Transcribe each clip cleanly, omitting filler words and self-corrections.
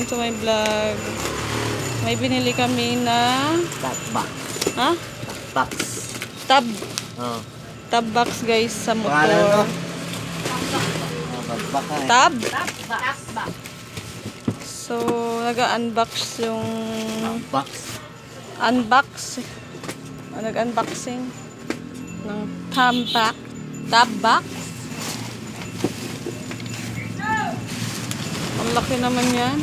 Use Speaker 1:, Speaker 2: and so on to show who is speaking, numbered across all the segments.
Speaker 1: welcome to my vlog. May binili kami na
Speaker 2: Top box.
Speaker 1: ha?
Speaker 2: Box.
Speaker 1: Tab.
Speaker 2: Oh.
Speaker 1: Tab box guys sa
Speaker 2: Ano?
Speaker 1: motor.
Speaker 2: Baka.
Speaker 1: Tab.
Speaker 3: Box.
Speaker 1: So, nag-unbox yung
Speaker 2: Box.
Speaker 1: nag-unboxing ng tab box. Ang laki naman yan.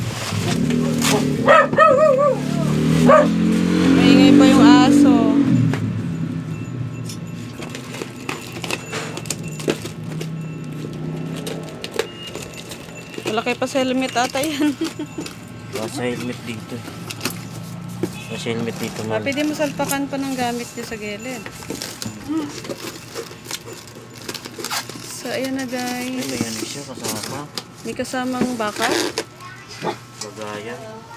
Speaker 1: Maingay pa yung aso. Malaki pa sa helmet ata yan.
Speaker 2: Nasa helmet dito. Nasa helmet dito man.
Speaker 1: Pwede mo salpakan pa ng gamit niya sa gilid. So, ayan na
Speaker 2: Ay,
Speaker 1: guys.
Speaker 2: may ano siya kasama.
Speaker 1: May kasamang baka.
Speaker 2: Bagaya.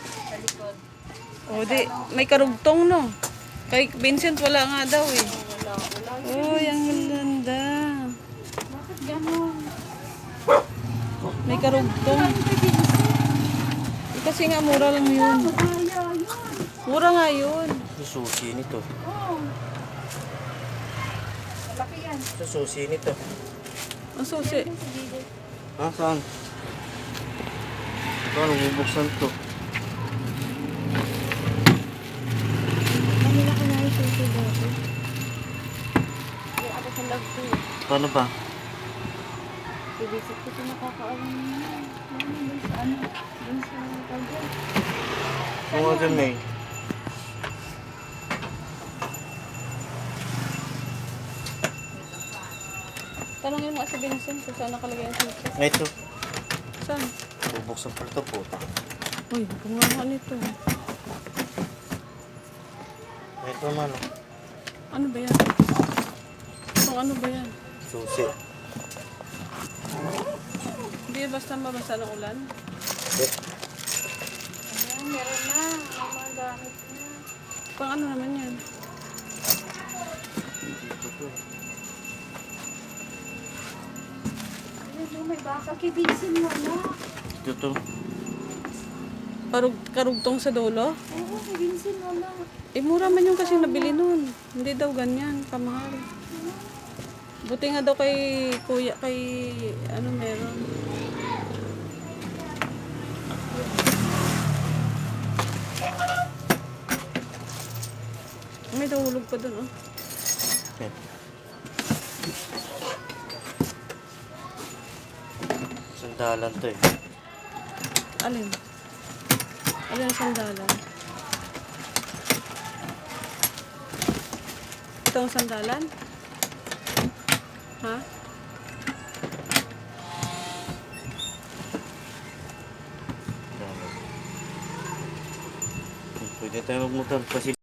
Speaker 1: O, di. May karugtong, no? Kay Vincent, wala nga daw, eh. Uy, ang ganda.
Speaker 3: Bakit gano'n?
Speaker 1: May karugtong. Kasi nga, mura lang yun. Mura nga yun.
Speaker 2: Ito susi nito.
Speaker 3: Malaki yan.
Speaker 2: Ito susi nito.
Speaker 1: Ang susi.
Speaker 2: Ha? Saan? Ito, anong bubuksan to?
Speaker 3: Kanila ko na yung susi dati. Yung ako sa love ko.
Speaker 2: Paano ba?
Speaker 3: Bibisip ko ito nakakaalam niya. Dun sa ano? Dun sa tagyan.
Speaker 2: Kung ano may.
Speaker 1: Tanongin mo si Vincent kung saan nakalagay ang susi.
Speaker 2: Ay, ito.
Speaker 1: Saan?
Speaker 2: Bubuksan pa ito po.
Speaker 1: Uy, gumawa nito.
Speaker 2: Ay, ito man.
Speaker 1: Ano ba yan? Kung ano ba yan?
Speaker 2: Susi.
Speaker 1: Hindi basta mabasa ng ulan.
Speaker 3: Ayan, meron na. May mga gamit na.
Speaker 1: Pang ano naman yan?
Speaker 3: Ayun, may baka. Kibisin mo na.
Speaker 2: Ito to.
Speaker 1: Karugtong sa dulo?
Speaker 3: Oo, kibisin mo na.
Speaker 1: Eh, mura man yung kasi nabili nun. Hindi daw ganyan, kamahal. Buti nga daw kay kuya, kay ano meron. May nahulog pa dun, oh.
Speaker 2: Okay. Sandalan to eh.
Speaker 1: Alin? Alin ang sandalan? Ito ang sandalan? Ha?
Speaker 2: Pwede tayo magmotor kasi